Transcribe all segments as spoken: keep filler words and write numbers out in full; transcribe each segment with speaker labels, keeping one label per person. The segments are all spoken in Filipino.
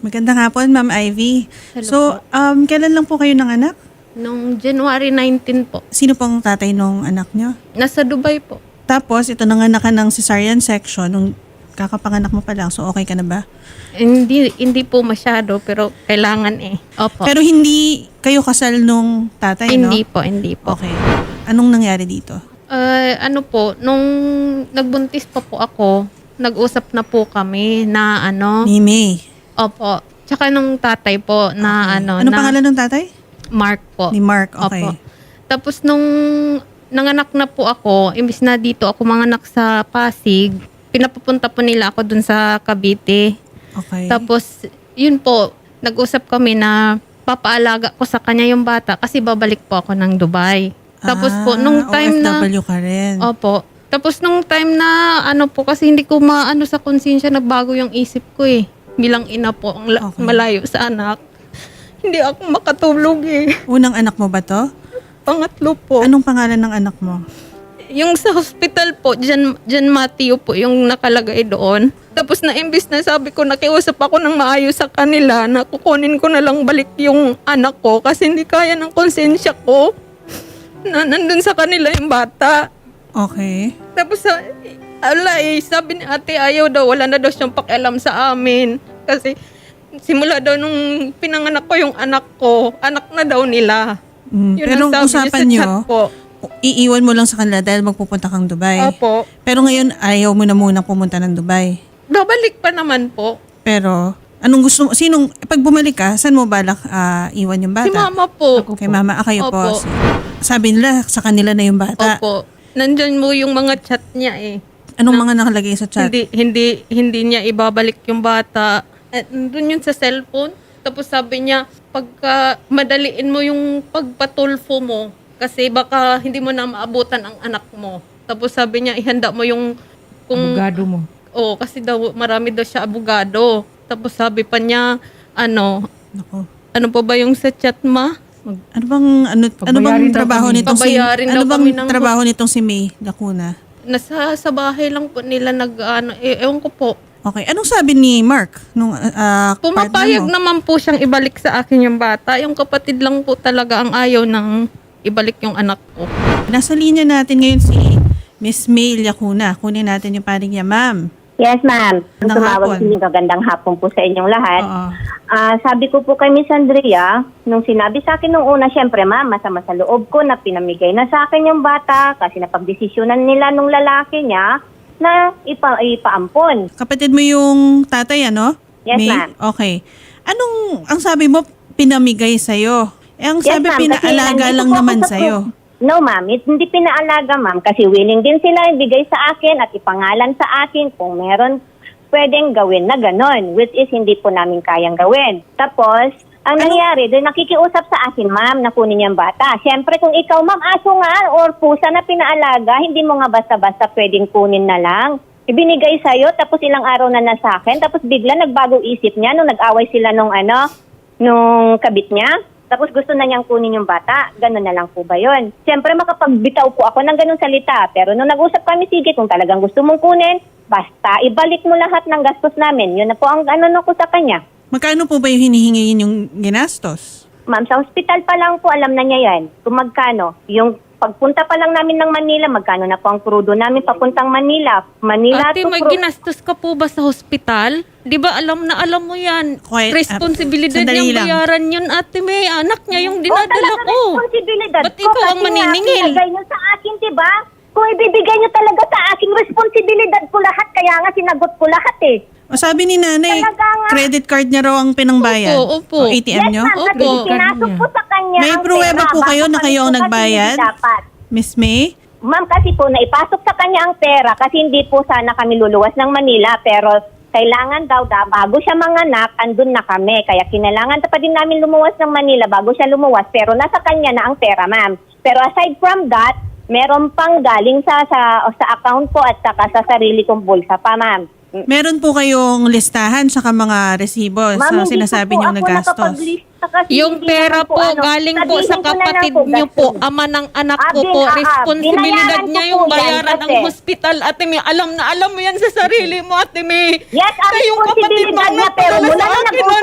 Speaker 1: Magandang hapon, Ma'am Ivy.
Speaker 2: Hello
Speaker 1: So, um, kailan lang po kayo ng anak?
Speaker 2: Nung January nineteenth po.
Speaker 1: Sino pong tatay nung anak nyo?
Speaker 2: Nasa Dubai po.
Speaker 1: Tapos, ito nanganak ka ng cesarean section nung kakapanganak mo pa lang. So, okay ka na ba?
Speaker 2: Hindi hindi po masyado pero kailangan eh. Opo.
Speaker 1: Pero hindi kayo kasal nung tatay, no?
Speaker 2: hindi po, hindi po.
Speaker 1: Okay. Anong nangyari dito?
Speaker 2: Uh, ano po, nung nagbuntis pa po ako, nag-usap na po kami na ano.
Speaker 1: Ni May.
Speaker 2: Opo. Tsaka nung tatay po na
Speaker 1: Okay.
Speaker 2: ano.
Speaker 1: Anong
Speaker 2: na
Speaker 1: pangalan ng tatay?
Speaker 2: Mark po.
Speaker 1: Ni Mark, okay.
Speaker 2: Opo. Tapos nung nanganak na po ako, imbis na dito ako manganak sa Pasig, pinapupunta po nila ako dun sa Cavite.
Speaker 1: Okay.
Speaker 2: Tapos, yun po, nag-usap kami na papaalaga ko sa kanya yung bata kasi babalik po ako ng Dubai. Tapos po, nung
Speaker 1: Ah,
Speaker 2: time na...
Speaker 1: O F W ka rin.
Speaker 2: Opo. Tapos nung time na, ano po, kasi hindi ko maano sa konsensya, nagbago yung isip ko eh. Bilang ina po, ang la-
Speaker 1: Okay.
Speaker 2: malayo sa anak. Hindi ako makatulog eh.
Speaker 1: Unang anak mo ba to?
Speaker 2: Pangatlo po.
Speaker 1: Anong pangalan ng anak mo?
Speaker 2: Yung sa hospital po, Jan, Jan Mateo po yung nakalagay doon. Tapos na imbis na sabi ko, nakiusap ako ng maayos sa kanila na kukunin ko na lang balik yung anak ko kasi hindi kaya ng konsensya ko na nandun sa kanila yung bata.
Speaker 1: Okay.
Speaker 2: Tapos sa, ala eh, sabi ni ate ayaw daw, wala na daw siyang pakialam sa amin. Kasi simula daw nung pinanganak ko yung anak ko, anak na daw nila.
Speaker 1: Mm,
Speaker 2: Yun
Speaker 1: pero
Speaker 2: ang sabi niya
Speaker 1: usapan
Speaker 2: sa
Speaker 1: nyo,
Speaker 2: chat po.
Speaker 1: iiwan mo lang sa kanila dahil magpupunta kang Dubai.
Speaker 2: Opo.
Speaker 1: Pero ngayon, ayaw mo na muna pumunta ng Dubai.
Speaker 2: Babalik pa naman po.
Speaker 1: Pero, anong gusto mo? Sinong, pag bumalik ka, saan mo balak ah, iwan yung bata?
Speaker 2: Si mama po.
Speaker 1: Kay mama, ah, kayo po.
Speaker 2: Opo.
Speaker 1: Sabi nila, sa kanila na yung bata.
Speaker 2: Opo. Nandyan mo yung mga chat niya eh.
Speaker 1: Anong mga nakalagay sa chat?
Speaker 2: Hindi, hindi, hindi niya ibabalik yung bata. Eh, nandun yun sa cellphone. Tapos sabi niya, pagka madaliin mo yung pagpatulfo mo, kasi baka hindi mo na maabutan ang anak mo. Tapos sabi niya, ihanda mo yung... Kung,
Speaker 3: Abogado mo.
Speaker 2: Oo, kasi daw, marami daw siya abogado. Tapos sabi pa niya, ano,
Speaker 1: Naku.
Speaker 2: ano pa ba yung sa chat, ma? Mag-
Speaker 1: Ano bang ano ano bang
Speaker 3: Pabayarin daw
Speaker 1: trabaho
Speaker 3: kami.
Speaker 1: nitong si
Speaker 2: Pabayarin
Speaker 1: Ano
Speaker 2: daw
Speaker 1: bang
Speaker 2: kami ng-
Speaker 1: trabaho nitong si May Lacuna?
Speaker 2: Nasa sa bahay lang po nila nag, ano, eh, ewan ko po.
Speaker 1: Okay. Anong sabi ni Mark nung ah,
Speaker 2: Pumapayag
Speaker 1: partner mo?
Speaker 2: naman po siyang ibalik sa akin yung bata. Yung kapatid lang po talaga ang ayaw ng ibalik yung anak ko.
Speaker 1: Nasa linya natin ngayon si Miss May Lacuna. Kunin natin yung paring niya, ma'am.
Speaker 4: Yes, ma'am.
Speaker 1: Magandang
Speaker 4: Tumawag
Speaker 1: hapon.
Speaker 4: si Magandang hapon po sa inyong lahat.
Speaker 1: Oo.
Speaker 4: Ah, sabi ko po kay Miss Andrea, nung sinabi sa akin nung una, syempre ma'am, masama sa loob ko na pinamigay na sa akin yung bata kasi napagdesisyonan nila nung lalaki niya na ipa ipaampon.
Speaker 1: Kapatid mo yung tatay, ano?
Speaker 4: Yes,
Speaker 1: May?
Speaker 4: ma'am.
Speaker 1: Okay. Anong, ang sabi mo, pinamigay sa'yo? Eh, ang
Speaker 4: Yes,
Speaker 1: sabi,
Speaker 4: ma'am, kasi
Speaker 1: pinaalaga
Speaker 4: nandito
Speaker 1: lang
Speaker 4: po ako
Speaker 1: naman
Speaker 4: sa
Speaker 1: sa'yo.
Speaker 4: pro- No, ma'am. It, hindi pinaalaga, ma'am. Kasi willing din sila ibigay sa akin at ipangalan sa akin kung meron pwedeng gawin na ganon, which is hindi po namin kayang gawin. Tapos, ang nangyari, doon nakikiusap sa akin, ma'am, na kunin niya ang bata. Siyempre, kung ikaw, ma'am, aso nga or pusa na pinaalaga, hindi mo nga basta-basta pwedeng kunin na lang. Ibinigay sa'yo, tapos ilang araw na na sa akin, tapos bigla nagbago isip niya nung nag-away sila nung ano, nung kabit niya. Tapos gusto na niyang kunin yung bata. Ganun na lang po ba yun? Siyempre makapagbitaw po ako ng ganun salita. Pero nung nag-usap kami, sige, kung talagang gusto mong kunin, basta ibalik mo lahat ng gastos namin. Yun na po ang ano ko sa kanya.
Speaker 1: Magkano po ba yung hinihingi yung ginastos?
Speaker 4: Ma'am, sa hospital pa lang po, alam na niya yan. Kung magkano. Yung pagpunta pa lang namin ng Manila, magkano na po ang krudo namin papuntang Manila. Manila
Speaker 2: Ate,
Speaker 4: to
Speaker 2: may
Speaker 4: Cru-
Speaker 2: ginastos ka po ba sa hospital? Di ba alam na alam mo yan?
Speaker 1: Quiet,
Speaker 2: Responsibilidad
Speaker 1: ah, sandali
Speaker 2: niyang
Speaker 1: lang.
Speaker 2: bayaran yun, ate May. Anak niya yung
Speaker 4: Oh,
Speaker 2: dinadala
Speaker 4: talaga
Speaker 2: ko.
Speaker 4: responsibilidad
Speaker 2: Ba't
Speaker 4: ko.
Speaker 2: ikaw ang
Speaker 4: kasi nga,
Speaker 2: maniningil?
Speaker 4: Binigay niyo sa akin, diba? Kung ibibigay niyo talaga sa akin, responsibilidad ko lahat. Kaya nga sinagot ko lahat eh.
Speaker 1: O sabi ni nanay,
Speaker 4: Talaga nga.
Speaker 1: credit card niya raw ang pinangbayad.
Speaker 2: Opo, opo.
Speaker 1: O A T M
Speaker 4: Yes,
Speaker 1: niyo?
Speaker 4: ma'am. Kasi
Speaker 2: Opo.
Speaker 4: pinasok po sa kanya
Speaker 1: May
Speaker 4: ang
Speaker 1: pruweba
Speaker 4: pera
Speaker 1: po kayo
Speaker 4: bago
Speaker 1: na
Speaker 4: kami
Speaker 1: kayo ang
Speaker 4: po kasi
Speaker 1: nagbayad?
Speaker 4: hindi dapat.
Speaker 1: Miss May?
Speaker 4: Ma'am, kasi po naipasok sa kanya ang pera kasi hindi po sana kami luluwas ng Manila. Pero kailangan daw da, bago siya manganak, andun na kami. Kaya kinailangan pa din namin lumuwas ng Manila bago siya lumuwas. Pero nasa kanya na ang pera, ma'am. Pero aside from that, meron pang galing sa sa, sa account ko at saka sa sarili kong bulsa pa, ma'am.
Speaker 1: Meron po kayong listahan sa mga resibo sa
Speaker 4: Ma'am, hindi
Speaker 1: sinasabi
Speaker 4: po
Speaker 1: niyong
Speaker 4: ako
Speaker 1: nagastos.
Speaker 4: nakapaglista kasi
Speaker 2: Yung
Speaker 4: hindi
Speaker 2: pera
Speaker 4: naman
Speaker 2: po,
Speaker 4: ano,
Speaker 2: galing po sa
Speaker 4: sabihin ko na lang
Speaker 2: kapatid
Speaker 4: po,
Speaker 2: niyo po,
Speaker 4: gastos.
Speaker 2: ama ng anak
Speaker 4: Ah,
Speaker 2: ko
Speaker 4: bin-
Speaker 2: po.
Speaker 4: ah, ah,
Speaker 2: Responsibilidad
Speaker 4: binayaran
Speaker 2: niya
Speaker 4: ko
Speaker 2: yung
Speaker 4: po yan
Speaker 2: bayaran ng
Speaker 4: kasi.
Speaker 2: hospital, ate May. Alam na alam mo yan sa sarili mo, ate May.
Speaker 4: Yes, ang
Speaker 2: Kayong kapatid mo
Speaker 4: responsibilidad
Speaker 2: ang
Speaker 4: niya, pero
Speaker 2: nagpadala
Speaker 4: mula
Speaker 2: sa
Speaker 4: na
Speaker 2: akin
Speaker 4: nag-usap
Speaker 2: noon,
Speaker 4: kami,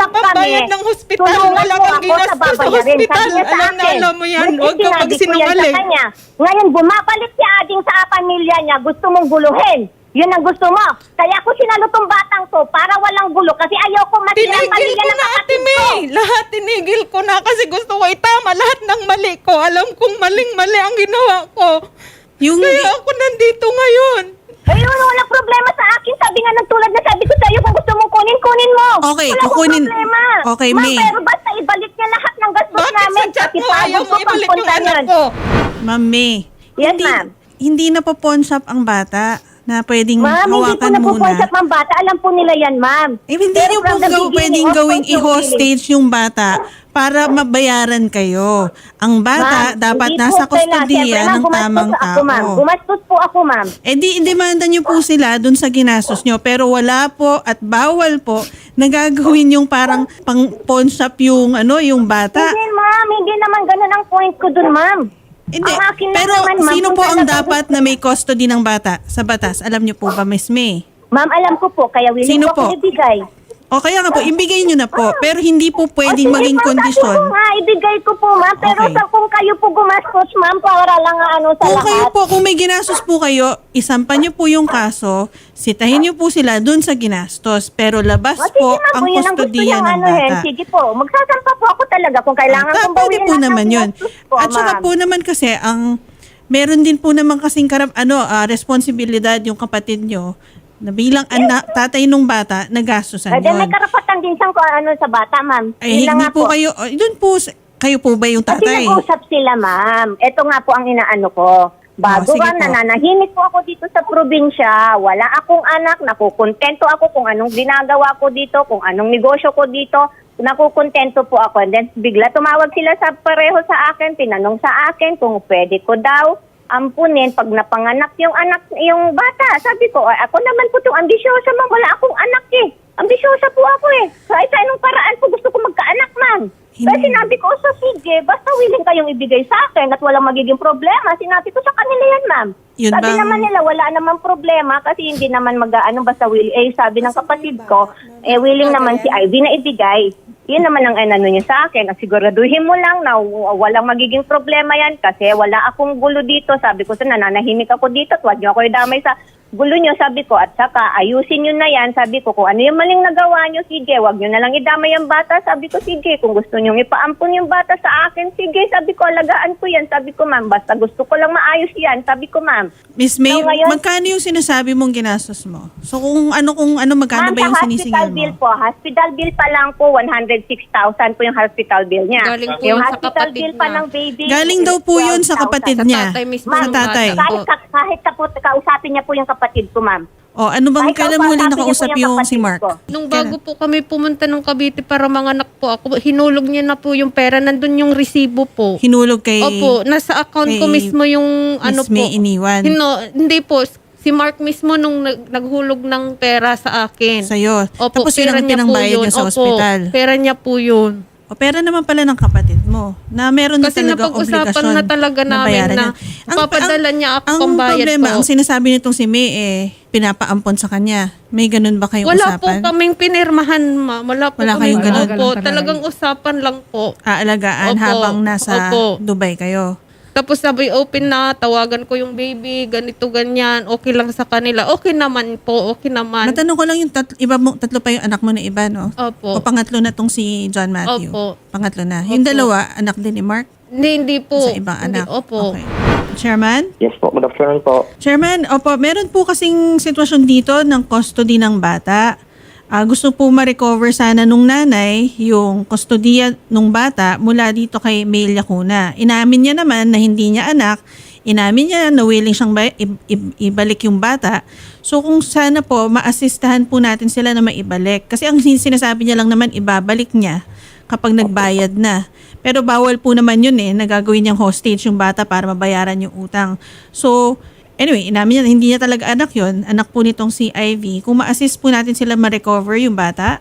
Speaker 2: bayad ng hospital.
Speaker 4: tulungan
Speaker 2: Wala
Speaker 4: mo
Speaker 2: kang
Speaker 4: ako sa
Speaker 2: ginastos sa
Speaker 4: babayarin.
Speaker 2: hospital.
Speaker 4: Sabi niya sa
Speaker 2: Alam na
Speaker 4: akin.
Speaker 2: alam mo yan.
Speaker 4: Which is
Speaker 2: Huwag ka
Speaker 4: sinabi ko yan
Speaker 2: magsinungaling.
Speaker 4: sa kanya. Ngayon, bumabalik si Ading sa pamilya niya. Gusto mong guluhin. Yun ang gusto mo. Kaya ako sinalo tong batang to para walang gulo kasi ayoko matira ang
Speaker 2: Tinigil
Speaker 4: pamilya
Speaker 2: ko
Speaker 4: ng
Speaker 2: na, Ate
Speaker 4: kapatid ko.
Speaker 2: May. Lahat tinigil ko na kasi gusto ko itama lahat ng mali ko. Alam kong maling-mali ang ginawa ko.
Speaker 1: Yung,
Speaker 2: Kaya ako nandito ngayon.
Speaker 4: Ayun, walang problema sa akin. Sabi nga ng tulad na sabi ko sa'yo, kung gusto mong kunin, kunin mo.
Speaker 1: Okay,
Speaker 4: Wala akong
Speaker 1: kukunin-
Speaker 4: problema.
Speaker 1: Okay,
Speaker 4: Ma'am,
Speaker 1: May.
Speaker 4: pero basta ibalik niya lahat ng gastos
Speaker 2: Bakit
Speaker 4: namin.
Speaker 2: sa chat
Speaker 4: Kasi
Speaker 2: mo ayaw
Speaker 4: pagod
Speaker 2: mo
Speaker 4: ko
Speaker 2: ibalik yung
Speaker 4: pagpunta
Speaker 2: anak
Speaker 4: yun.
Speaker 2: ko?
Speaker 1: Ma'am May,
Speaker 4: Yes,
Speaker 1: hindi,
Speaker 4: ma'am.
Speaker 1: hindi na po pawn shop ang bata na pwedeng
Speaker 4: Ma'am, hindi po
Speaker 1: hawakan muna.
Speaker 4: napuponsap ang bata. Alam po nila yan, ma'am.
Speaker 1: Eh, hindi
Speaker 4: Pero
Speaker 1: niyo po
Speaker 4: from the
Speaker 1: gaw,
Speaker 4: beginning,
Speaker 1: pwedeng
Speaker 4: of
Speaker 1: gawing
Speaker 4: course, yung
Speaker 1: i-hostage yung bata para mabayaran kayo. Ang bata
Speaker 4: Ma'am,
Speaker 1: dapat
Speaker 4: hindi
Speaker 1: nasa
Speaker 4: po kailangan.
Speaker 1: kustodiya
Speaker 4: Siyempre, ma'am,
Speaker 1: ng
Speaker 4: gumastos
Speaker 1: tamang
Speaker 4: ako, ma'am.
Speaker 1: tao.
Speaker 4: Gumastos po ako, ma'am.
Speaker 1: Eh di, demanda niyo po sila dun sa ginastos niyo. Pero wala po at bawal po na gagawin yung parang pang pawn shop yung, ano, yung bata.
Speaker 4: Hindi, ma'am. Hindi naman ganun ang point ko dun, ma'am.
Speaker 1: Hindi.
Speaker 4: Ang akin lang
Speaker 1: Pero
Speaker 4: naman, ma'am,
Speaker 1: sino
Speaker 4: kung
Speaker 1: po ang
Speaker 4: talagang
Speaker 1: dapat na may custody ng bata sa batas? Alam niyo po ba, Miss May?
Speaker 4: Ma'am, alam ko po. Kaya willing
Speaker 1: Sino
Speaker 4: ko
Speaker 1: po?
Speaker 4: po ibigay.
Speaker 1: O kaya nga po, ibigay niyo na po. Pero hindi po pwedeng
Speaker 4: O, sige,
Speaker 1: maging
Speaker 4: ma'am,
Speaker 1: kondisyon.
Speaker 4: Sabi ko nga, ibigay ko po, ma'am. Pero
Speaker 1: Okay.
Speaker 4: sa, kung kayo po gumastos, ma'am, para lang ano sa
Speaker 1: Kung
Speaker 4: lahat.
Speaker 1: kayo po, kung may ginastos po kayo, isampan niyo po yung kaso, sitahin niyo po sila dun sa ginastos. Pero labas
Speaker 4: O, sige,
Speaker 1: po
Speaker 4: ma'am,
Speaker 1: ang
Speaker 4: kung yun ang gusto
Speaker 1: kustodiya
Speaker 4: niyang
Speaker 1: ng
Speaker 4: ano, eh,
Speaker 1: bata.
Speaker 4: sige po, magsasampa po ako talaga kung kailangan
Speaker 1: Ah,
Speaker 4: kong
Speaker 1: pwede
Speaker 4: bawiin
Speaker 1: po
Speaker 4: lahat ng
Speaker 1: naman yun.
Speaker 4: ginastos ko,
Speaker 1: At saka
Speaker 4: ma'am.
Speaker 1: po naman kasi, ang meron din po naman kasing karap, ano, ah, responsibilidad yung kapatid nyo na bilang anak, tatay nung bata, nagastusan
Speaker 4: Eh, then may
Speaker 1: yun.
Speaker 4: karapatan din siyang kung ano sa bata, ma'am.
Speaker 1: Ay,
Speaker 4: Yun lang
Speaker 1: hindi
Speaker 4: nga
Speaker 1: po kayo, oh, dun po, sa- kayo po ba yung
Speaker 4: Kasi
Speaker 1: tatay?
Speaker 4: nag-usap sila, ma'am. Ito nga po ang inaano ko.
Speaker 1: Oh,
Speaker 4: Bago
Speaker 1: sige
Speaker 4: nga,
Speaker 1: po.
Speaker 4: nananahimik po ako dito sa probinsya. Wala akong anak. Nakukontento ako kung anong ginagawa ko dito, kung anong negosyo ko dito. Nakukontento po ako. And then bigla tumawag sila sa pareho sa akin. Tinanong sa akin kung pwede ko daw ampunin pag napanganak yung anak, yung bata. Sabi ko, "Ay, ako naman po itong ambisyosa, ma'am. Wala akong anak eh. Ambisyosa po ako eh. Kahit sa anong paraan po gusto ko magkaanak, ma'am."
Speaker 1: Hindi.
Speaker 4: Kaya sinabi ko, so sige, basta willing kayong ibigay sa akin at walang magiging problema. Sinabi ko sa kanila yan, ma'am.
Speaker 1: Yun
Speaker 4: sabi
Speaker 1: bang-
Speaker 4: naman nila, wala naman problema kasi hindi naman mag-ano, basta will. Eh, sabi ng kapatid ko, eh, willing naman si Ivy na ibigay. Yun naman ang ano niya sa akin. Siguraduhin mo lang na w- walang magiging problema yan kasi wala akong gulo dito. Sabi ko, so nananahimik ako dito at huwag niyo ako idamay sa gulo niyo, sabi ko. At saka, ayusin niyo na yan. Sabi ko, kung ano yung maling nagawa niyo, sige, huwag niyo na lang idamay ang bata. Sabi ko, sige, kung gusto niyo ipaampun yung bata sa akin, sige. Sabi ko, alagaan ko yan. Sabi ko, ma'am, basta gusto ko lang maayos yan. Sabi ko, ma'am.
Speaker 1: Miss May,
Speaker 4: So, ngayon-
Speaker 1: magkano yung sinasabi mong ginastos mo? So kung ano, kung ano, magkano
Speaker 4: Ma'am,
Speaker 1: ba yung
Speaker 4: sa
Speaker 1: sinisingil
Speaker 4: hospital
Speaker 1: mo?
Speaker 4: bill po, hospital bill pa lang po, one hundred six thousand po yung hospital bill niya.
Speaker 2: Galing po
Speaker 4: yung
Speaker 2: yun sa
Speaker 4: hospital
Speaker 2: kapatid
Speaker 4: bill pa
Speaker 2: niya.
Speaker 4: ng baby.
Speaker 1: Galing daw po yun sa kapatid
Speaker 2: Sa
Speaker 1: niya.
Speaker 2: tatay mismo
Speaker 1: Sa
Speaker 2: ng
Speaker 1: tatay.
Speaker 2: bata.
Speaker 4: Kahit, ka, kahit ka po, kausapin niya po yung kapatid ko, ma'am.
Speaker 1: O ano bang,
Speaker 4: Kahit
Speaker 1: kailan mo huli
Speaker 4: kausapin niya po
Speaker 1: nakausap
Speaker 4: yung
Speaker 1: yung si
Speaker 4: kapatid
Speaker 1: Mark?
Speaker 4: ko.
Speaker 2: Nung bago po kami pumunta ng Cavite para manganak po ako, hinulog niya na po yung pera. Nandun yung resibo po.
Speaker 1: Hinulog kay
Speaker 2: Opo, nasa account ko
Speaker 1: kay
Speaker 2: mismo yung ano
Speaker 1: Miss
Speaker 2: po.
Speaker 1: May iniwan
Speaker 2: Hino, hindi po. Si Mark mismo nung nag- naghulog ng pera sa akin.
Speaker 1: sa'yo.
Speaker 2: Opo,
Speaker 1: Tapos yun
Speaker 2: pera
Speaker 1: ang
Speaker 2: niya po
Speaker 1: pinangbayad
Speaker 2: yun.
Speaker 1: niya sa
Speaker 2: Opo,
Speaker 1: ospital.
Speaker 2: pera niya po yun.
Speaker 1: O pera naman pala ng kapatid mo na meron na
Speaker 2: Kasi
Speaker 1: talagang
Speaker 2: napag-usapan
Speaker 1: obligasyon
Speaker 2: na talaga namin
Speaker 1: bayaran
Speaker 2: na
Speaker 1: yan.
Speaker 2: papadala niya ako
Speaker 1: ang
Speaker 2: pambayad
Speaker 1: problema,
Speaker 2: po.
Speaker 1: ang sinasabi nitong si May eh, pinapaampon sa kanya. May ganun ba kayong
Speaker 2: Wala po
Speaker 1: usapan?
Speaker 2: kaming pinirmahan, ma. Wala po
Speaker 1: Wala
Speaker 2: kaming
Speaker 1: kayong ganun?
Speaker 2: Opo, talagang usapan lang po.
Speaker 1: Aalagaan
Speaker 2: Opo,
Speaker 1: habang nasa
Speaker 2: opo.
Speaker 1: Dubai kayo.
Speaker 2: Tapos sabi, open na, tawagan ko yung baby, ganito, ganyan, okay lang sa kanila. Okay naman po, okay naman.
Speaker 1: Matanong ko lang yung tat- iba mo, tatlo pa yung anak mo na iba, no?
Speaker 2: Opo.
Speaker 1: O pangatlo na tong si John Matthew?
Speaker 2: Opo.
Speaker 1: Pangatlo na. Yung
Speaker 2: Opo.
Speaker 1: dalawa, anak din ni Mark?
Speaker 2: Hindi, hindi po.
Speaker 1: Sa ibang
Speaker 2: Hindi,
Speaker 1: anak?
Speaker 2: Opo.
Speaker 1: Okay. Chairman?
Speaker 3: Yes po, good afternoon po.
Speaker 1: Chairman, opo, meron po kasing sitwasyon dito ng custody ng bata. Ah, gusto po ma-recover sana nung nanay yung kustodiya nung bata mula dito kay May Lacuna. Inamin niya naman na hindi niya anak. Inamin niya na willing siyang ba- i- i- ibalik yung bata. So kung sana po, maasistahan po natin sila na maibalik. Kasi ang sin- sinasabi niya lang naman, ibabalik niya kapag nagbayad na. Pero bawal po naman yun eh, nagagawin niyang hostage yung bata para mabayaran yung utang. So, anyway, inamin niya, hindi niya talaga anak yun. Anak po nitong si Ivy. Kung ma-assist po natin sila ma-recover yung bata.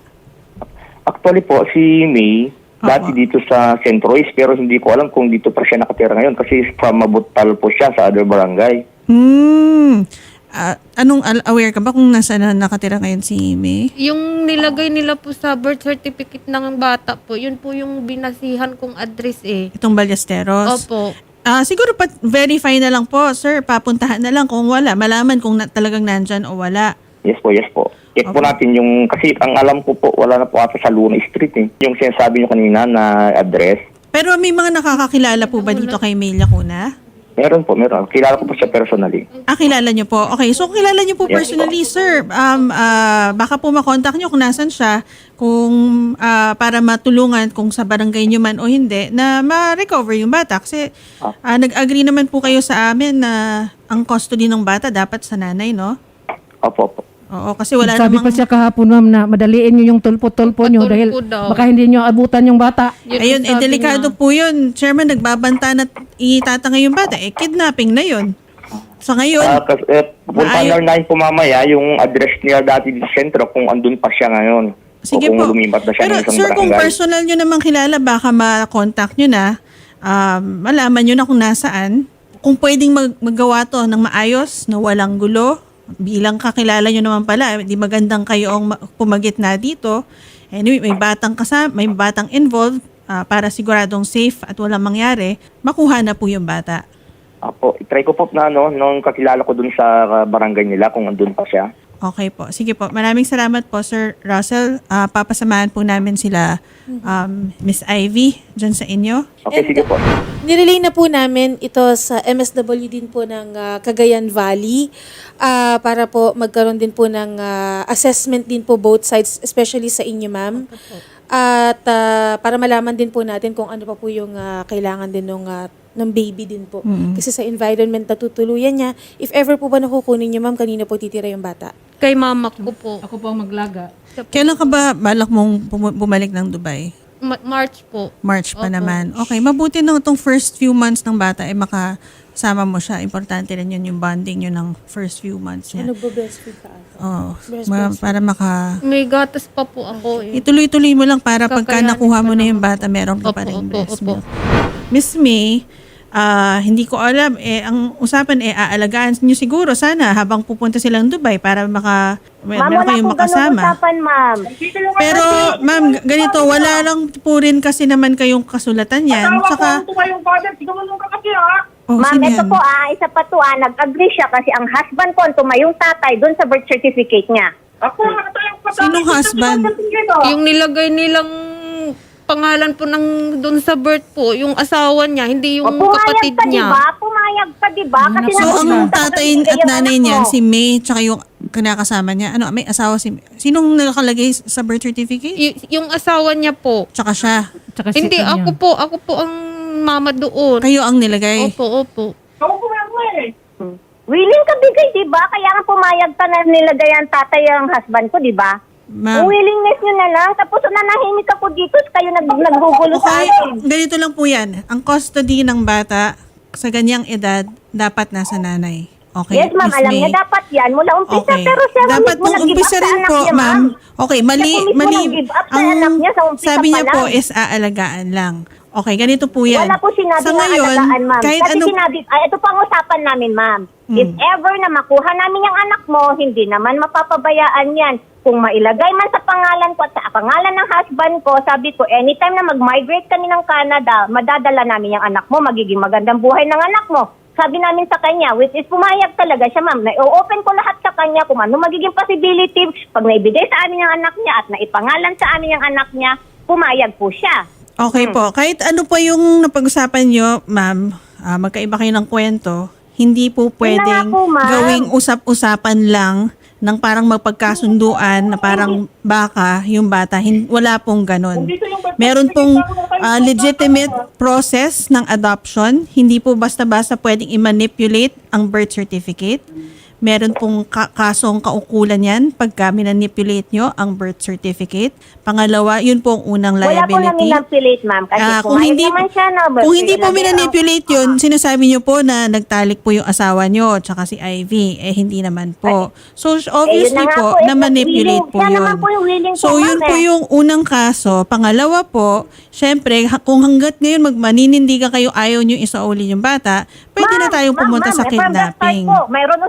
Speaker 3: Actually po, si May,
Speaker 1: Opo.
Speaker 3: dati dito sa Saint Royce, pero hindi ko alam kung dito pa siya nakatira ngayon kasi from Mabutal po siya sa other barangay.
Speaker 1: Hmm. Ah, anong al- aware ka ba kung nasa na nakatira ngayon si May?
Speaker 2: Yung nilagay nila po sa birth certificate ng bata po, yun po yung binasihan kong address eh.
Speaker 1: Itong Ballesteros?
Speaker 2: Opo.
Speaker 1: Ah, siguro pa verify na lang po, sir. Papuntahan na lang kung wala. Malaman kung na, talagang nandyan o wala.
Speaker 3: Yes po, yes po. Check po
Speaker 1: Okay.
Speaker 3: natin yung, kasi ang alam ko po, wala na po ata sa Luna Street eh. Yung sinasabi nyo kanina na address.
Speaker 1: Pero may mga nakakakilala po ba dito kay May Lacuna?
Speaker 3: Meron po, meron. Kilala ko po siya personally.
Speaker 1: Ah, kilala niyo po. Okay, so kilala niyo po
Speaker 3: Yes,
Speaker 1: personally, sir. Um, ah, baka po makontak niyo kung nasan siya, kung ah, para matulungan kung sa barangay niyo man o hindi, na ma-recover yung bata. Kasi ah, nag-agree naman po kayo sa amin na ang custody ng bata dapat sa nanay, no?
Speaker 3: Opo, opo.
Speaker 1: Oo, kasi wala
Speaker 5: Sabi
Speaker 1: namang...
Speaker 5: pa siya kahapon, ma'am, na madaliin nyo yung tulpo-tulpo nyo dahil
Speaker 2: Tulpo daw.
Speaker 5: baka hindi nyo abutan yung bata.
Speaker 2: Yun ang
Speaker 1: Ayun, eh,
Speaker 2: sabi
Speaker 1: delikado
Speaker 2: niya.
Speaker 1: po yun. Chairman, nagbabanta na itatangay yung bata. Eh, kidnapping na yun. Sa ngayon,
Speaker 3: Ah, kasi, eh, pupunta
Speaker 1: Maayo-
Speaker 3: na rin po mamaya yung address niya dati sa sentro kung andun pa siya ngayon.
Speaker 1: sige
Speaker 3: o kung
Speaker 1: po.
Speaker 3: lumipat na siya
Speaker 1: Pero
Speaker 3: ng isang
Speaker 1: sir, kung
Speaker 3: barangay.
Speaker 1: personal nyo naman kilala, baka ma-contact nyo na, um, malaman nyo na kung nasaan. Kung pwedeng mag- magawa to ng maayos, na walang gulo, bilang kakilala nyo naman pala, di magandang kayo ang ma- pumagit na dito. Anyway, may batang kasama, may batang involved, ah, para siguradong safe at walang mangyari, makuha na po yung bata.
Speaker 3: Apo, try ko po na no, nung kakilala ko dun sa uh, barangay nila kung andun pa siya.
Speaker 1: Okay po. Sige po. Maraming salamat po, Sir Russell. Ah, papasamahan po namin sila, um, Miss Ivy, dyan sa inyo.
Speaker 3: Okay,
Speaker 6: And,
Speaker 3: sige po.
Speaker 6: Nirelay na po namin ito sa M S W din po ng ah, Cagayan Valley ah, para po magkaroon din po ng ah, assessment din po both sides, especially sa inyo, ma'am. At ah, para malaman din po natin kung ano pa po yung ah, kailangan din ng ng baby din po. Kasi sa environment na tutuluyan niya, if ever po ba nakukunin niyo, ma'am, kanina po titira yung bata?
Speaker 2: Kay mama ko po.
Speaker 5: Ako po ang maglaga.
Speaker 1: Kailan ka ba balak mong pum- bumalik ng Dubai?
Speaker 2: Ma- March po.
Speaker 1: March pa
Speaker 2: Opo.
Speaker 1: naman. Okay, mabuti na itong first few months ng bata ay makasama mo siya. Importante rin yun yung bonding yun ng first few months niya.
Speaker 6: Ano breastfeed ka? ate?
Speaker 1: Oh,
Speaker 6: Breast-
Speaker 1: ma- para maka...
Speaker 2: May gatas pa po ako eh.
Speaker 1: Ituloy-tuloy mo lang para pagka
Speaker 2: Kakayanin
Speaker 1: nakuha mo
Speaker 2: pa
Speaker 1: na yung
Speaker 2: naman
Speaker 1: bata, meron ka pa
Speaker 2: Opo,
Speaker 1: rin
Speaker 2: opo,
Speaker 1: breast
Speaker 2: opo.
Speaker 1: milk. Miss May, ah, hindi ko alam, eh, ang usapan eh, aalagaan niyo siguro sana habang pupunta silang Dubai para maka, may,
Speaker 4: Ma'am,
Speaker 1: meron
Speaker 4: wala
Speaker 1: kayong
Speaker 4: po ganun
Speaker 1: makasama.
Speaker 4: usapan, ma'am.
Speaker 1: Pero, ma'am, g- ganito, wala lang po rin kasi naman kayong kasulatan yan. Saka, oh,
Speaker 4: Ma'am,
Speaker 1: sino
Speaker 4: ito
Speaker 1: yan?
Speaker 4: po ah, isa pa to ah, nag-agree siya kasi ang husband ko, ang tumayong tatay doon sa birth certificate niya.
Speaker 1: Sinong husband?
Speaker 2: Yung nilagay nilang pangalan po ng doon sa birth po, yung asawa niya, hindi yung
Speaker 4: O, pumayag
Speaker 2: kapatid
Speaker 4: ka,
Speaker 2: niya.
Speaker 4: diba? Pumayag ka, diba? Kasi
Speaker 1: So,
Speaker 4: nag-
Speaker 1: ang
Speaker 4: nag-
Speaker 1: tatay
Speaker 4: nag-
Speaker 1: at
Speaker 4: yung
Speaker 1: nanay
Speaker 4: anak
Speaker 1: niyan,
Speaker 4: mo.
Speaker 1: si May, tsaka yung kinakasama niya, ano, may asawa si Sinong nakalagay sa birth certificate?
Speaker 2: Y- yung asawa niya po.
Speaker 1: Tsaka siya.
Speaker 5: Tsaka si
Speaker 2: Hindi,
Speaker 5: kanya.
Speaker 2: ako po, ako po ang mama doon.
Speaker 1: Kayo ang nilagay.
Speaker 2: Opo, opo.
Speaker 4: Hmm. Willing ka bigay, diba? Kaya nga pumayag ka na nilagay ang tatay ang husband ko, diba?
Speaker 1: Ma'am.
Speaker 4: Ang willingness nyo na lang. Tapos nanahimik ako dito, kayo nag naggugulo sa
Speaker 1: Okay,
Speaker 4: akin.
Speaker 1: ganito lang po yan. Ang custody ng bata sa ganyang edad, dapat nasa nanay. Okay,
Speaker 4: Yes, ma'am.
Speaker 1: Miss
Speaker 4: Alam
Speaker 1: May?
Speaker 4: niya dapat yan. Mula umpisa.
Speaker 1: Okay.
Speaker 4: Pero siya
Speaker 1: Dapat
Speaker 4: mismo
Speaker 1: nung
Speaker 4: nag-give
Speaker 1: umpisa
Speaker 4: up sa
Speaker 1: rin
Speaker 4: anak
Speaker 1: po,
Speaker 4: niya,
Speaker 1: ma'am. Okay, mali,
Speaker 4: Siya po mismo
Speaker 1: mali.
Speaker 4: nag-give up sa anak niya sa umpisa
Speaker 1: sabi niya
Speaker 4: pa
Speaker 1: po
Speaker 4: lang.
Speaker 1: is aalagaan lang. Okay, ganito po yan.
Speaker 4: Wala po sinabi
Speaker 1: Sa
Speaker 4: na
Speaker 1: ngayon,
Speaker 4: alagaan, ma'am.
Speaker 1: kahit
Speaker 4: Kasi
Speaker 1: ano,
Speaker 4: sinabi, ay, ito pa ang usapan namin, ma'am.
Speaker 1: Hmm.
Speaker 4: If ever na makuha namin yung anak mo, hindi naman mapapabayaan yan. Kung mailagay man sa pangalan ko at sa pangalan ng husband ko, sabi ko, anytime na mag-migrate kami ng Canada, madadala namin yung anak mo, magiging magandang buhay ng anak mo. Sabi namin sa kanya, which is pumayag talaga siya, ma'am. Na-open ko lahat sa kanya kung ano magiging possibility. Pag naibigay sa amin yung anak niya at naipangalan sa amin yung anak niya, pumayag po siya.
Speaker 1: okay po, kahit ano pa yung napag-usapan nyo, ma'am, ah, magkaiba kayo ng kwento, hindi po pwedeng
Speaker 4: nga po, ma'am.
Speaker 1: gawing usap-usapan lang ng parang magpagkasunduan na parang baka yung bata. Hin- wala pong ganun. Meron pong ah, legitimate process ng adoption. Hindi po basta-basta pwedeng i-manipulate ang birth certificate. Meron pong ka- kasong kaukulan yan pagka minanipulate nyo ang birth certificate. Pangalawa, yun po ang unang
Speaker 4: Wala po
Speaker 1: liability.
Speaker 4: namin manipulate, ma'am. Kasi
Speaker 1: Ah, kung
Speaker 4: pumayag
Speaker 1: hindi
Speaker 4: naman siya na
Speaker 1: kung hindi po
Speaker 4: ilagay ang-
Speaker 1: minanipulate yun, sinasabi niyo po na nagtalik po yung asawa niyo tsaka si Ivy. Eh, hindi naman po. So, obviously
Speaker 4: Eh, yun na nga
Speaker 1: po,
Speaker 4: po, eh,
Speaker 1: na-manipulate
Speaker 4: willing-
Speaker 1: po
Speaker 4: siya
Speaker 1: yun.
Speaker 4: naman po yung willing
Speaker 1: So,
Speaker 4: po,
Speaker 1: yun
Speaker 4: ma'am,
Speaker 1: po
Speaker 4: eh.
Speaker 1: yung unang kaso. Pangalawa po, syempre, ha- kung hanggat ngayon magmaninindigan kayo, ayaw niyo isauli yung bata, pwede na
Speaker 4: Ma'am,
Speaker 1: tayong
Speaker 4: ma'am,
Speaker 1: pumunta
Speaker 4: ma'am,
Speaker 1: sa
Speaker 4: eh, from the start
Speaker 1: kidnapping.
Speaker 4: po, mayroon usapan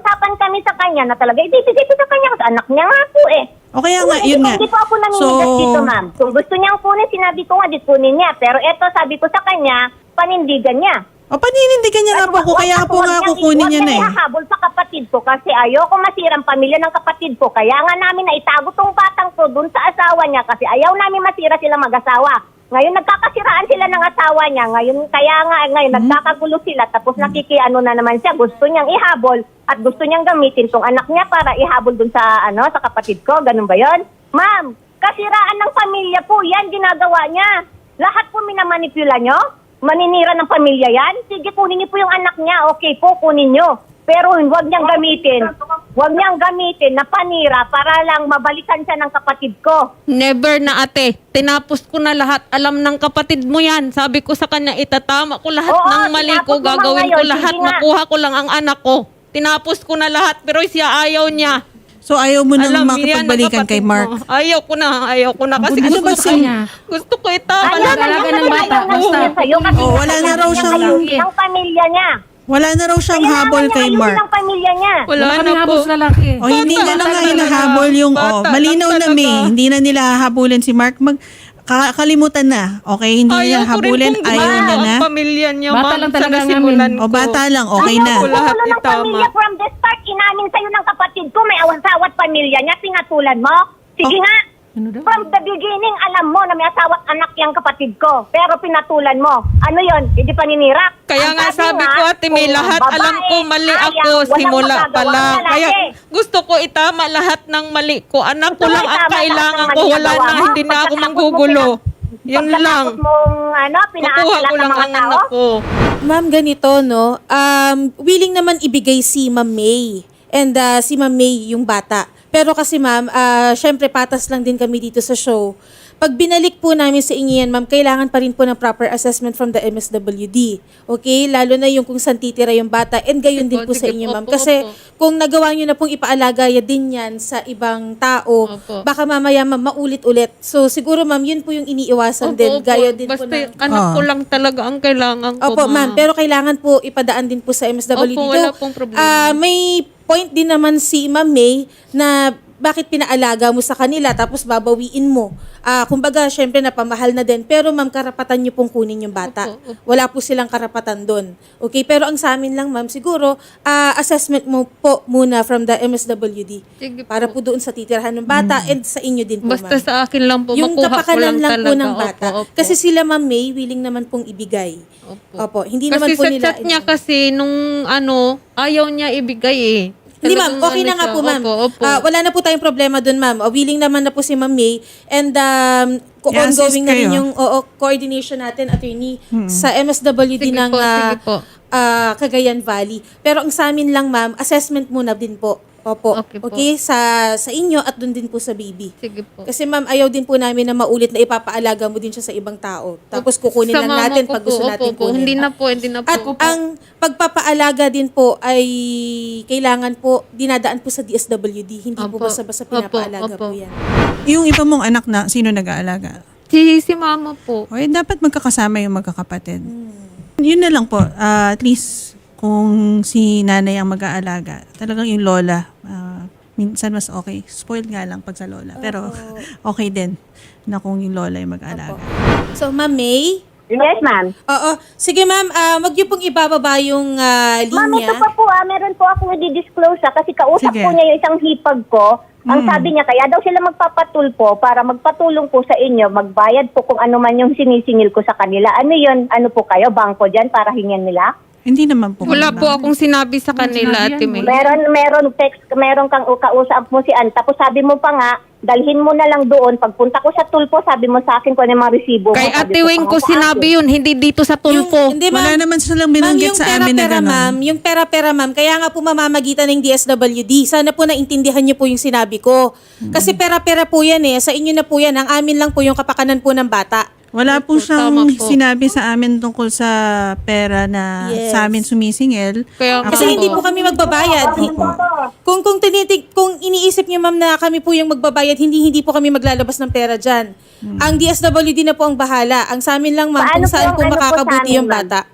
Speaker 4: kami sa kanya na talaga ibibigay ko sa kanya kasi anak niya nga po eh.
Speaker 1: O kaya nga,
Speaker 4: Hindi
Speaker 1: yun
Speaker 4: po-
Speaker 1: nga.
Speaker 4: Hindi po ako namimigas
Speaker 1: So-
Speaker 4: dito, ma'am. Kung gusto niyang kunin, sinabi ko nga, di kunin niya. Pero eto, sabi ko sa kanya, panindigan niya.
Speaker 1: O paninindigan niya nga po ko, kaya po nga kukunin niya na eh.
Speaker 4: Huwag ihahabol sa kapatid ko kasi ayoko masirang pamilya ng kapatid ko. Kaya nga namin naitago tong batang to dun sa asawa niya kasi ayaw namin masira sila mag-asawa. Ngayon nagkakasiraan sila ng asawa niya. Ngayon kaya nga ngayon nagkakagulo sila tapos nakikiano na naman siya. Gusto niyang ihabol at gusto niyang gamitin tong anak niya para ihabol dun sa ano sa kapatid ko. Ganun ba 'yon? Ma'am, kasiraan ng pamilya po 'yan ginagawa niya. Lahat po minamanipula niyo. Maninira ng pamilya yan? Sige, kunin niyo po yung anak niya. Okay po, kunin niyo. Pero huwag niyang gamitin. Huwag niyang gamitin na panira para lang mabalikan siya ng kapatid ko.
Speaker 2: Never na ate. Tinapos ko na lahat. Alam ng kapatid mo yan. Sabi ko sa kanya, itatama ko lahat
Speaker 4: Oo,
Speaker 2: ng mali
Speaker 4: tinapos
Speaker 2: ko.
Speaker 4: mo nga
Speaker 2: Gagawin ko
Speaker 4: ngayon.
Speaker 2: lahat.
Speaker 4: Sige nga.
Speaker 2: Makuha ko lang ang anak ko. Tinapos ko na lahat. Pero siya ayaw niya.
Speaker 1: So ayaw mo nang
Speaker 2: Alam niya ng
Speaker 1: makipagbalikan kay
Speaker 2: kapatid
Speaker 1: Mark.
Speaker 2: mo. Ayaw ko na. Ayaw ko na. Kasi
Speaker 5: Ano
Speaker 2: gusto,
Speaker 5: ba
Speaker 2: ko,
Speaker 5: siya?
Speaker 2: gusto ko itama
Speaker 4: Ayaw
Speaker 2: lahat.
Speaker 4: na
Speaker 5: Talaga
Speaker 4: niya
Speaker 5: ng
Speaker 4: na
Speaker 5: bata,
Speaker 4: ayaw na
Speaker 5: basta.
Speaker 4: niya sa'yo kasi
Speaker 1: Oh, wala na raw siyang-
Speaker 4: ng pamilya niya.
Speaker 1: Wala na raw siyang
Speaker 4: Kailangan
Speaker 1: habol
Speaker 4: niya
Speaker 1: kay
Speaker 4: ayusin
Speaker 1: Mark.
Speaker 4: ang pamilya niya.
Speaker 2: Wala
Speaker 5: Wala
Speaker 2: na
Speaker 5: kami
Speaker 2: po.
Speaker 5: habos lalaki.
Speaker 1: O hindi
Speaker 2: Bata
Speaker 1: niya na nga
Speaker 2: talaga.
Speaker 1: hinahabol yung,
Speaker 2: Bata
Speaker 1: oh,
Speaker 2: lang
Speaker 1: malinaw na
Speaker 2: talaga.
Speaker 1: may, hindi na nila hahabulin si Mark. Mag, ka- kalimutan na. Okay, hindi niya
Speaker 2: Ayaw ko rin
Speaker 1: habulin,
Speaker 2: pong
Speaker 1: ayaw
Speaker 2: gumawa
Speaker 1: niya na.
Speaker 2: ang pamilya niya,
Speaker 5: Bata
Speaker 2: ma'am,
Speaker 5: lang
Speaker 2: sa
Speaker 5: talaga
Speaker 2: nasimulan
Speaker 1: O
Speaker 2: ko.
Speaker 1: bata lang, okay
Speaker 4: Ayaw
Speaker 1: na.
Speaker 2: ko lahat
Speaker 4: Ayaw ng
Speaker 2: itama.
Speaker 4: pamilya from the start. Inamin sa'yo ng kapatid ko. May awan-sawat pamilya niya. Pinatulan mo. Sige
Speaker 1: Oh.
Speaker 4: nga.
Speaker 5: Ano daw?
Speaker 4: From the beginning, alam mo na may asawa't anak yung kapatid ko. Pero pinatulan mo. Ano yon? Hindi paninira.
Speaker 2: Kaya
Speaker 4: Ang
Speaker 2: nga sabi ko, ate, may
Speaker 4: kung
Speaker 2: lahat.
Speaker 4: babae,
Speaker 2: Alam ko, mali
Speaker 4: ayaw,
Speaker 2: ako
Speaker 4: walang
Speaker 2: simula
Speaker 4: magagawa
Speaker 2: pa lang.
Speaker 4: ang lalaki.
Speaker 2: Kaya gusto ko itama lahat ng mali ko. Anak ko
Speaker 4: Gusto mo
Speaker 2: lang ang
Speaker 4: itama lahat
Speaker 2: kailangan
Speaker 4: ng
Speaker 2: ko.
Speaker 4: mali
Speaker 2: Wala
Speaker 4: nagawa
Speaker 2: na,
Speaker 4: mo?
Speaker 2: hindi na ako
Speaker 4: Pagkatapos mo
Speaker 2: manggugulo.
Speaker 4: pina-
Speaker 2: Yun lang.
Speaker 4: Pagkatapos mong ano,
Speaker 2: Makuha
Speaker 4: pinaasa
Speaker 2: ko
Speaker 4: lahat ng
Speaker 2: lang
Speaker 4: mga
Speaker 2: ang
Speaker 4: tao.
Speaker 2: anak ko.
Speaker 6: Ma'am, ganito, no? Um, willing naman ibigay si Ma'am May. And uh, si Ma'am May yung bata. Pero kasi ma'am, uh, syempre patas lang din kami dito sa show. Pag binalik po namin sa inyo yan, ma'am, kailangan pa rin po ng proper assessment from the M S W D. Okay? Lalo na yung kung saan titira yung bata. And gayon din
Speaker 2: Opo,
Speaker 6: po sa
Speaker 2: sige
Speaker 6: inyo,
Speaker 2: po,
Speaker 6: ma'am.
Speaker 2: opo,
Speaker 6: Kasi
Speaker 2: opo.
Speaker 6: kung nagawa nyo na pong ipaalaga ya din yan sa ibang tao,
Speaker 2: Opo.
Speaker 6: baka mamaya, ma'am, maulit-ulit. So siguro, ma'am, yun po yung iniiwasan
Speaker 2: Opo,
Speaker 6: din.
Speaker 2: opo.
Speaker 6: Gaya din
Speaker 2: Basta
Speaker 6: po ng...
Speaker 2: anak ko
Speaker 1: Ah.
Speaker 2: lang talaga ang kailangan ko,
Speaker 6: Opo, ma'am. Pero kailangan po ipadaan din po sa M S W D.
Speaker 2: Opo,
Speaker 6: Though,
Speaker 2: wala pong problema.
Speaker 6: ah, may point din naman si Ma'am May na bakit pinaalaga mo sa kanila tapos babawiin mo. Ah, kumbaga, syempre napamahal na din. Pero ma'am, karapatan niyo pong kunin yung bata.
Speaker 2: Opo, opo.
Speaker 6: Wala po silang karapatan doon. Okay? Pero ang sa amin lang, ma'am, siguro, ah, assessment mo po muna from the M S W D.
Speaker 2: Sige po.
Speaker 6: Para po doon sa titirahan ng bata and sa inyo din po,
Speaker 2: Basta
Speaker 6: ma'am.
Speaker 2: sa akin lang po,
Speaker 6: Yung
Speaker 2: makuha ko
Speaker 6: kapakanan
Speaker 2: lang
Speaker 6: lang,
Speaker 2: talaga.
Speaker 6: po ng bata.
Speaker 2: Opo, opo.
Speaker 6: Kasi sila, Ma'am May, willing naman pong ibigay.
Speaker 2: Opo.
Speaker 6: Opo. Hindi
Speaker 2: Kasi
Speaker 6: naman po
Speaker 2: sa
Speaker 6: nila...
Speaker 2: chat niya kasi nung ano, ayaw niya ibigay eh.
Speaker 6: Hindi ma'am,
Speaker 2: Talagang
Speaker 6: okay
Speaker 2: ano
Speaker 6: na nga
Speaker 2: siya.
Speaker 6: po ma'am.
Speaker 2: Opo, opo.
Speaker 6: Ah, wala na po tayong problema doon ma'am. Ah, willing naman na po si Ma'am May and um, ko-
Speaker 1: I-assist
Speaker 6: ongoing na rin
Speaker 1: kayo.
Speaker 6: yung oo, coordination natin, attorney, sa M S W D
Speaker 2: Sige
Speaker 6: ng
Speaker 2: po,
Speaker 6: ah,
Speaker 2: sige po.
Speaker 6: ah, Cagayan Valley. Pero ang sa amin lang ma'am, assessment muna din po. Opo.
Speaker 2: Okay
Speaker 6: Okay,
Speaker 2: po.
Speaker 6: sa sa inyo at doon din po sa baby.
Speaker 2: Sige po.
Speaker 6: Kasi ma'am, ayaw din po namin na maulit na ipapaalaga mo din siya sa ibang tao. Tapos kukunin
Speaker 2: Sa
Speaker 6: lang
Speaker 2: mama
Speaker 6: natin
Speaker 2: ko
Speaker 6: pag gusto
Speaker 2: po,
Speaker 6: natin
Speaker 2: opo, po.
Speaker 6: kunin.
Speaker 2: Hindi na po, hindi na po.
Speaker 6: At ang pagpapaalaga din po ay kailangan po dinadaan po sa D S W D. Hindi po
Speaker 2: Opo.
Speaker 6: basta-basta
Speaker 2: Opo,
Speaker 6: pinapaalaga
Speaker 2: opo.
Speaker 6: po yan.
Speaker 1: Yung iba mong anak na, sino nag-aalaga?
Speaker 2: Si, si mama po.
Speaker 1: O, eh, dapat magkakasama yung magkakapatid. Yun na lang po. Ah, at least, kung si nanay ang mag-aalaga, talagang yung lola, ah, minsan mas okay. Spoiled nga lang pag sa lola. Pero okay din na kung yung lola yung mag-aalaga.
Speaker 6: So, Ma'am May?
Speaker 4: Yes, ma'am.
Speaker 6: Oo. Sige, Ma'am. Uh, wag niyo pong ibababa yung ah,
Speaker 4: Ma'am,
Speaker 6: linya.
Speaker 4: ito pa po ah, meron po akong i-disclose ah, kasi kausap
Speaker 1: Sige.
Speaker 4: po niya yung isang hipag ko. Ang sabi niya, kaya daw sila magpapatulpo para magpatulong po sa inyo, magbayad po kung ano man yung sinisingil ko sa kanila. Ano yun? Ano po kayo? Bangko dyan para hingyan nila?
Speaker 1: Hindi naman po.
Speaker 2: Wala
Speaker 1: kailangan.
Speaker 2: po akong sinabi sa kanila,
Speaker 5: sinabi
Speaker 2: Ate
Speaker 5: yan,
Speaker 2: May.
Speaker 4: Meron, meron text, meron kang kausap mo si Ann. Tapos sabi mo pa nga, dalhin mo na lang doon. Pagpunta ko sa tulpo, sabi mo sa akin kung ano yung mga resibo mo.
Speaker 2: Kay
Speaker 4: Sabi
Speaker 2: Ate
Speaker 4: ko
Speaker 2: Wing
Speaker 4: pa
Speaker 2: ko
Speaker 4: nga sa
Speaker 2: sinabi
Speaker 4: akin.
Speaker 2: yun, hindi dito sa tulpo.
Speaker 6: Hindi,
Speaker 1: Wala
Speaker 6: ma'am.
Speaker 1: naman silang
Speaker 6: Ma'am,
Speaker 1: binanggit
Speaker 6: yung
Speaker 1: sa amin na
Speaker 6: pera-pera,
Speaker 1: gano'n.
Speaker 6: ma'am, yung pera-pera, ma'am, kaya nga po mamamagitan ng D S W D. Sana po naintindihan niyo po yung sinabi ko. Kasi pera-pera po yan eh. Sa inyo na po yan. Ang amin lang po yung kapakanan po ng bata.
Speaker 1: Wala po
Speaker 2: Opo,
Speaker 1: siyang
Speaker 2: tama po.
Speaker 1: sinabi sa amin tungkol sa pera na
Speaker 6: Yes.
Speaker 1: sa amin sumisingil.
Speaker 2: Kaya nga
Speaker 6: Kasi
Speaker 2: po.
Speaker 6: hindi po kami magbabayad. Kung kung tinitig kung iniisip niyo ma'am na kami po yung magbabayad, hindi hindi po kami maglalabas ng pera diyan. Ang D S W D na po ang bahala. Ang sa amin lang ma'am
Speaker 4: Paano
Speaker 6: kung saan
Speaker 4: po
Speaker 6: po
Speaker 4: ang ano po sa
Speaker 6: makakabuti
Speaker 4: amin,
Speaker 6: yung
Speaker 4: ma'am?
Speaker 6: bata.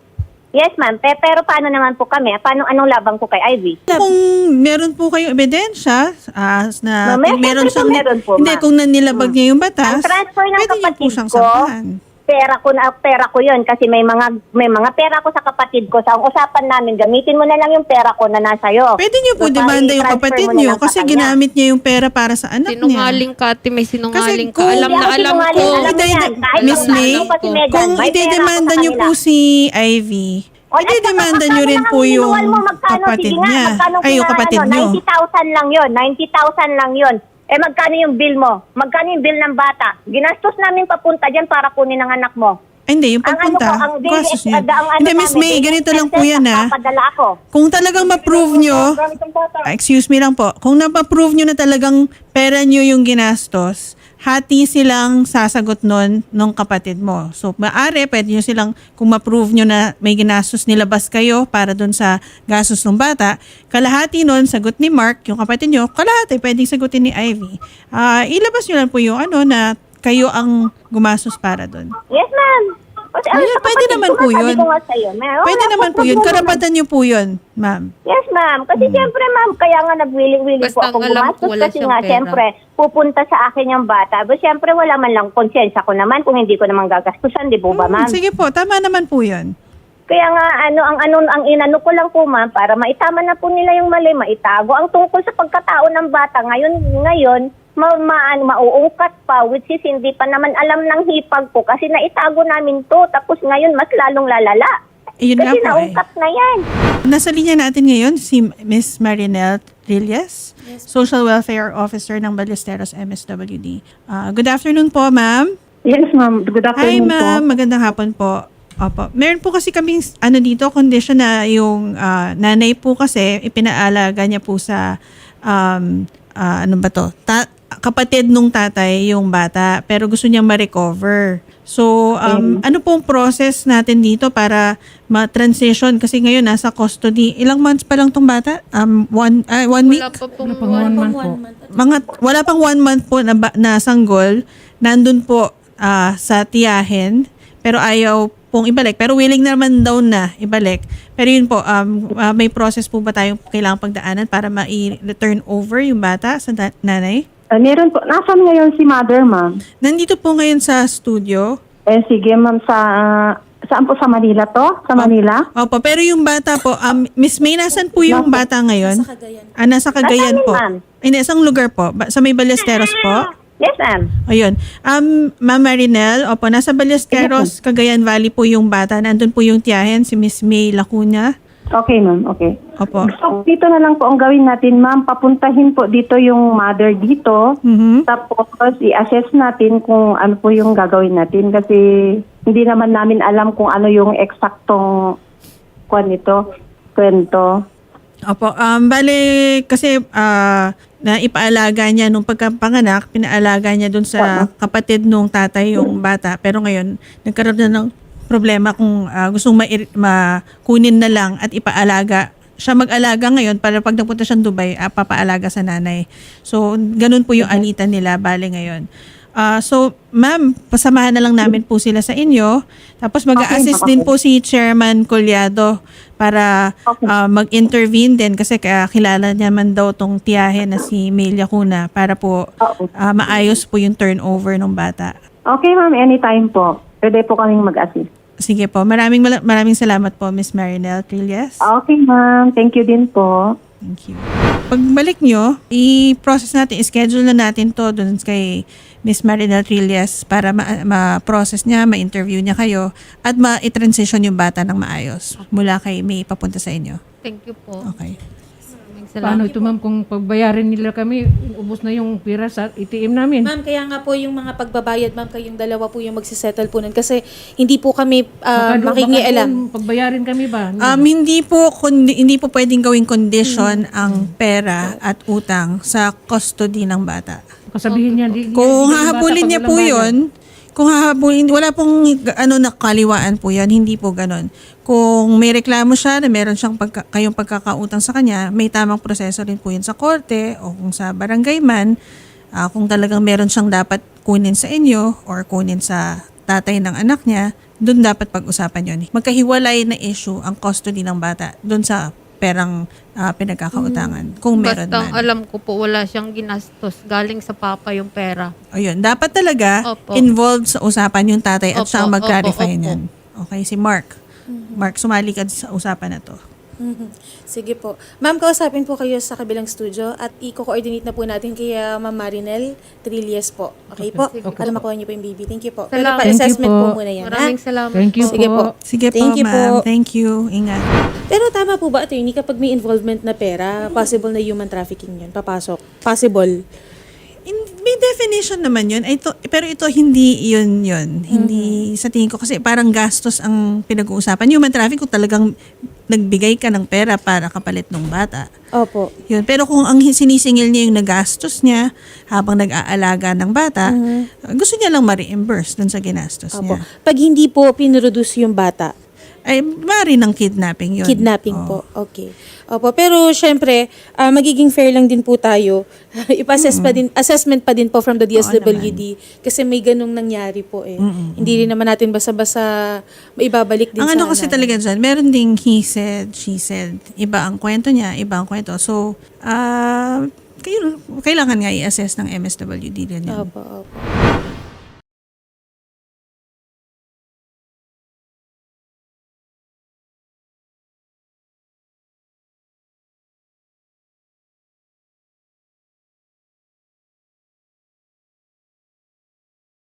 Speaker 4: Yes, ma'am. Pe- pero paano naman po kami? Paano, anong labang po kay Ivy?
Speaker 1: Kung meron po kayong ebidensya ah, na
Speaker 4: No, may-
Speaker 1: meron
Speaker 4: siyempre po
Speaker 1: siyang,
Speaker 4: meron po,
Speaker 1: hindi,
Speaker 4: ma'am.
Speaker 1: kung nanilabag niya yung batas,
Speaker 4: Ang transfer ng
Speaker 1: pwede niyo po
Speaker 4: kapatid
Speaker 1: siyang
Speaker 4: ko,
Speaker 1: sampahan.
Speaker 4: pera ko na pera ko 'yon kasi may mga may mga pera ko sa kapatid ko. Sa ang usapan namin, gamitin mo na lang yung pera ko na nasa iyo.
Speaker 1: Pwede niyo po demanda yung kapatid niyo kasi ginamit niya yung pera para sa anak niya.
Speaker 2: Sinungaling ka, ate, may sinungaling ka.
Speaker 1: kung-
Speaker 2: Alam na alam ko.
Speaker 4: Alam mo yan. Kahit
Speaker 1: Miss
Speaker 4: kung
Speaker 1: May,
Speaker 4: ano pa si Megan,
Speaker 1: kung
Speaker 4: may pera
Speaker 1: idedemanda
Speaker 4: ako sa
Speaker 1: niyo po
Speaker 4: kanila.
Speaker 1: si Ivy,
Speaker 4: O, at
Speaker 1: idedemanda
Speaker 4: saka
Speaker 1: niyo rin
Speaker 4: magkano
Speaker 1: po
Speaker 4: lang ang
Speaker 1: yung
Speaker 4: inuwal mo? Magkano?
Speaker 1: kapatid
Speaker 4: Sige nga,
Speaker 1: niya.
Speaker 4: magkano
Speaker 1: Ay, yung
Speaker 4: kina-
Speaker 1: kapatid
Speaker 4: ano,
Speaker 1: niyo.
Speaker 4: ninety thousand lang yon, ninety thousand lang yon. Eh, magkano yung bill mo? Magkano yung bill ng bata? Ginastos namin papunta dyan para kunin ang anak mo.
Speaker 1: Ay, hindi, yung
Speaker 4: Ang ano
Speaker 1: pagpunta,
Speaker 4: ko, ang daily,
Speaker 1: gastos niya.
Speaker 4: ang ano
Speaker 1: Hindi, Miss
Speaker 4: namin,
Speaker 1: May,
Speaker 4: daily
Speaker 1: ganito lang po
Speaker 4: expenses,
Speaker 1: yan ha.
Speaker 4: nagpapadala ako.
Speaker 1: Kung talagang ma-prove nyo, ah, excuse me lang po, kung na-prove nyo na talagang pera nyo yung ginastos, hati silang sasagot nun nung kapatid mo. So, maaari, pwede nyo silang, kung ma-prove nyo na may ginastos nilabas kayo para dun sa gastos ng bata, kalahati nun, sagot ni Mark, yung kapatid nyo, kalahati, pwedeng sagutin ni Ivy. Ah, ilabas nyo lang po yung ano na kayo ang gumastos para dun.
Speaker 4: Yes, ma'am. Kasi, ano,
Speaker 1: Ayun,
Speaker 4: sa
Speaker 1: pwede
Speaker 4: kapatid
Speaker 1: naman
Speaker 4: ko
Speaker 1: po
Speaker 4: nga, sabi
Speaker 1: yun.
Speaker 4: ko nga sa'yo, may- wala
Speaker 1: Pwede naman
Speaker 4: akong
Speaker 1: po yun.
Speaker 4: problema.
Speaker 1: Karapatan nyo po yun, ma'am.
Speaker 4: Yes, ma'am. Kasi siyempre, ma'am, kaya nga nagwiling-wiling po
Speaker 2: Basta
Speaker 4: akong
Speaker 2: ang alam ko,
Speaker 4: gumastos
Speaker 2: wala
Speaker 4: kasi
Speaker 2: siyang
Speaker 4: nga,
Speaker 2: pera.
Speaker 4: siyempre, pupunta sa akin yung bata. But siyempre, wala man lang konsensya ko naman kung hindi ko naman gagastusan, di po ba,
Speaker 1: Hmm,
Speaker 4: ma'am?
Speaker 1: sige po, tama naman po yun.
Speaker 4: Kaya nga, ano, ang, ano, ang inano ko lang po, ma'am, para maitama na po nila yung mali, maitago. Ang tungkol sa pagkatao ng bata, ngayon, ngayon, ma, ma, ano, mauungkat pa, which is hindi pa naman alam ng hipag ko kasi naitago namin to. Tapos ngayon, mas lalong lalala.
Speaker 1: Ayun nga
Speaker 4: Kasi
Speaker 1: po eh.
Speaker 4: naungkat na yan.
Speaker 1: Nasa linya natin ngayon si Miss Marinelle Trillas, Social Welfare Officer ng Ballesteros M S W D. Ah, good afternoon po, ma'am.
Speaker 7: Yes, ma'am. Good
Speaker 1: Hi,
Speaker 7: afternoon
Speaker 1: ma'am.
Speaker 7: po.
Speaker 1: Magandang hapon po. Opo. Meron po kasi kaming ano dito, condition na yung ah, nanay po kasi ipinaalaga niya po sa um, ah, ano ba to? Ta- kapatid nung tatay yung bata pero gusto niyang ma-recover. So, um, ano pong process natin dito para ma-transition? Kasi ngayon nasa custody. Ilang months pa lang tong bata? Um, one, ah, one week?
Speaker 2: Wala pa pong
Speaker 5: Wala pang one month po.
Speaker 1: Mga, wala pang one month po na, ba- na sanggol. Nandun po ah, sa tiyahin. Pero ayaw pong ibalik. Pero willing naman daw na ibalik. Pero yun po, um, ah, may process po ba tayong kailangang pagdaanan para ma-return over yung bata sa na- nanay?
Speaker 7: Uh, meron po. Nasaan ngayon si mother, ma'am?
Speaker 1: Nandito po ngayon sa studio.
Speaker 7: Eh, sige, ma'am. Sa, saan po? Sa Manila to? Sa Manila?
Speaker 1: Opo, pero yung bata po, um, Miss May, nasan po yung bata ngayon?
Speaker 6: Nasa Cagayan.
Speaker 1: Ah, nasa Cagayan
Speaker 4: Nasaan,
Speaker 1: po.
Speaker 4: ma'am?
Speaker 1: Hindi, isang lugar po. Ba- Sa may Ballesteros po.
Speaker 4: Yes, ma'am.
Speaker 1: Ayun. Um, Ma'am Marinelle, opo, nasa Ballesteros, Cagayan Valley po yung bata. Nandun po yung tiyahin, si Miss May Lacuna.
Speaker 7: Okay, ma'am. Okay.
Speaker 1: Opo.
Speaker 7: So, dito na lang po ang gawin natin, ma'am. Papuntahin po dito yung mother dito.
Speaker 1: Mhm.
Speaker 7: Tapos, i-assess natin kung ano po yung gagawin natin. Kasi, hindi naman namin alam kung ano yung eksaktong kwan nito, kwento.
Speaker 1: Opo. Um, bale, kasi ah, na ipaalaga niya nung pagkapanganak, pinaalaga niya dun sa kapatid nung tatay yung bata. Pero ngayon, nagkaroon na ng problema kung ah, gustong ma- makunin na lang at ipaalaga. Siya mag-alaga ngayon para pag napunta siyang Dubai, ah, papaalaga sa nanay. So, ganun po yung alitan nila, bale ngayon. Ah, so, ma'am, pasamahan na lang namin po sila sa inyo. Tapos mag-a-assist
Speaker 7: Okay,
Speaker 1: din po si Chairman Collado para ah, mag-intervene din kasi kaya kilala niya man daw tong tiyahe na si Melia Cuna para po ah, maayos po yung turnover ng bata.
Speaker 7: Okay, ma'am. Anytime po. Pwede po kaming mag-assist.
Speaker 1: Sige po. Maraming mala- maraming salamat po, Miss Marinelle Trillas.
Speaker 7: Okay, ma'am. Thank you din po.
Speaker 1: Thank you. Pagbalik nyo, i-process natin, i-schedule na natin to dun kay Miss Marinelle Trillas para ma- ma-process niya, ma-interview niya kayo at ma-transition yung bata ng maayos mula kay May papunta sa inyo.
Speaker 2: Thank you po.
Speaker 1: Okay.
Speaker 2: Maraming
Speaker 5: Paano
Speaker 2: salamat.
Speaker 5: ito, ma'am, kung pagbayarin nila kami, ubos na yung pira sa A T M namin.
Speaker 6: Ma'am, kaya nga po yung mga pagbabayad, ma'am, kayong dalawa po yung magsisettle po nun. Kasi hindi po kami uh,
Speaker 5: Baka do-
Speaker 6: makingialam.
Speaker 5: baka doon pagbayarin kami ba?
Speaker 1: Um, hindi po kundi, hindi po pwedeng gawing condition ang pera at utang sa custody ng bata.
Speaker 5: Kasabihin niya, di,
Speaker 1: Kung
Speaker 5: di- di-
Speaker 1: hahabulin
Speaker 5: bata
Speaker 1: niya
Speaker 5: pag
Speaker 1: po
Speaker 5: walang bayad.
Speaker 1: 'yon, kung hahabulin, wala pong ano nakaliwaan po 'yan, hindi po ganon. Kung may reklamo siya na meron siyang pagka, kayong pagkakautang sa kanya, may tamang proseso rin po 'yun sa korte o kung sa barangay man, ah, kung talagang meron siyang dapat kunin sa inyo or kunin sa tatay ng anak niya, doon dapat pag-usapan yun. Magkahiwalay na issue ang custody ng bata doon sa perang ah, pinagkakautangan. Kung meron
Speaker 2: Basta
Speaker 1: man.
Speaker 2: alam ko po wala siyang ginastos. Galing sa papa yung pera.
Speaker 1: O yun, dapat talaga
Speaker 2: Opo.
Speaker 1: involved sa usapan yung tatay at
Speaker 2: Opo,
Speaker 1: siya ang mag-clarify
Speaker 2: opo, opo.
Speaker 1: niyan. Okay, si Mark. Mark, sumali ka sa usapan na to.
Speaker 6: Mhm. Sige po. Ma'am, kausapin po kayo sa kabilang studio at i-coordinate na po natin kay uh, Ma'am Marinel Trillies po. Okay po? Para makuha niyo po yung baby. Thank you po. Pero
Speaker 2: Salamat.
Speaker 6: pa-assessment
Speaker 5: Thank you
Speaker 6: po.
Speaker 5: po.
Speaker 6: muna yan.
Speaker 2: Maraming
Speaker 6: ha?
Speaker 2: salamat.
Speaker 5: Thank you
Speaker 6: Sige po.
Speaker 5: po.
Speaker 1: Sige
Speaker 6: Thank
Speaker 1: po,
Speaker 6: you
Speaker 1: ma'am.
Speaker 6: po.
Speaker 1: Thank you. Ingat.
Speaker 6: Pero tama po ba, attorney, kapag may involvement na pera, possible na human trafficking yun? Papasok? Possible?
Speaker 1: In, may definition naman yun. Ito, pero ito hindi yun yun. Hindi sa tingin ko kasi parang gastos ang pinag-uusapan. Human traffic kung talagang nagbigay ka ng pera para kapalit ng bata.
Speaker 6: Opo.
Speaker 1: Yun. Pero kung ang sinisingil niya yung nagastos niya habang nag-aalaga ng bata, gusto niya lang ma-reimburse dun sa ginastos
Speaker 6: Opo.
Speaker 1: niya.
Speaker 6: Pag hindi po pinroduce yung bata,
Speaker 1: Ay, mari ng kidnapping yun.
Speaker 6: kidnapping
Speaker 1: Oo.
Speaker 6: po. Okay. Opo. Pero syempre, ah, magiging fair lang din po tayo. Ipa-assess pa din, assessment pa din po from the D S W D. Kasi may ganung nangyari po eh. Hindi rin naman natin basta-basta maibabalik din
Speaker 1: Ang
Speaker 6: sa
Speaker 1: ano kasi
Speaker 6: nanay.
Speaker 1: talaga dyan, meron ding he said, she said. Iba ang kwento niya, iba ang kwento. So, ah, kayo, kailangan nga i-assess ng M S W D din yun.
Speaker 6: Opo, opo.